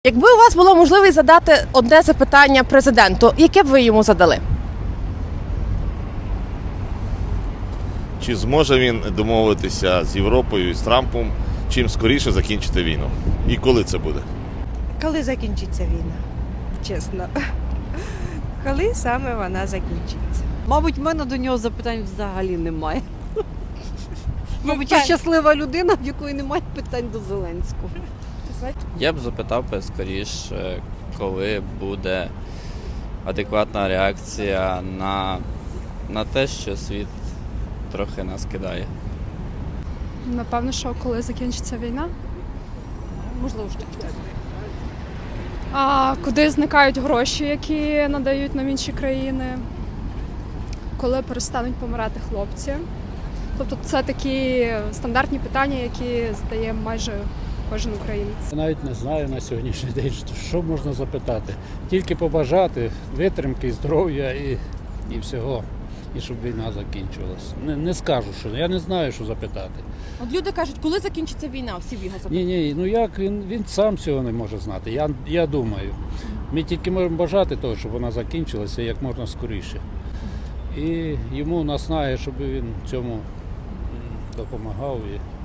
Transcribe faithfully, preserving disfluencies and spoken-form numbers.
Якби у вас було можливість задати одне запитання президенту, яке б ви йому задали? Чи зможе він домовитися з Європою і з Трампом, чим скоріше закінчити війну? І коли це буде? Коли закінчиться війна? Чесно. Коли саме вона закінчиться? Мабуть, в мене до нього запитань взагалі немає. Мабуть, я щаслива людина, в якої немає питань до Зеленського. Я б запитав би скоріше, коли буде адекватна реакція на, на те, що світ трохи нас кидає. Напевно, що коли закінчиться війна. Можливо, що А куди зникають гроші, які надають нам інші країни? Коли перестануть помирати хлопці? Тобто це такі стандартні питання, які задає майже кожен українець. Я навіть не знаю на сьогоднішній день, що можна запитати. Тільки побажати витримки, здоров'я і, і всього, і щоб війна закінчилась. Не, не скажу, що я не знаю, що запитати. От люди кажуть, коли закінчиться війна, всі б його запитали. Ні, ні, ну як він, він сам цього не може знати. Я, я думаю. Ми тільки можемо бажати того, щоб вона закінчилася як можна скоріше. І йому наснає, щоб він цьому м, допомагав. І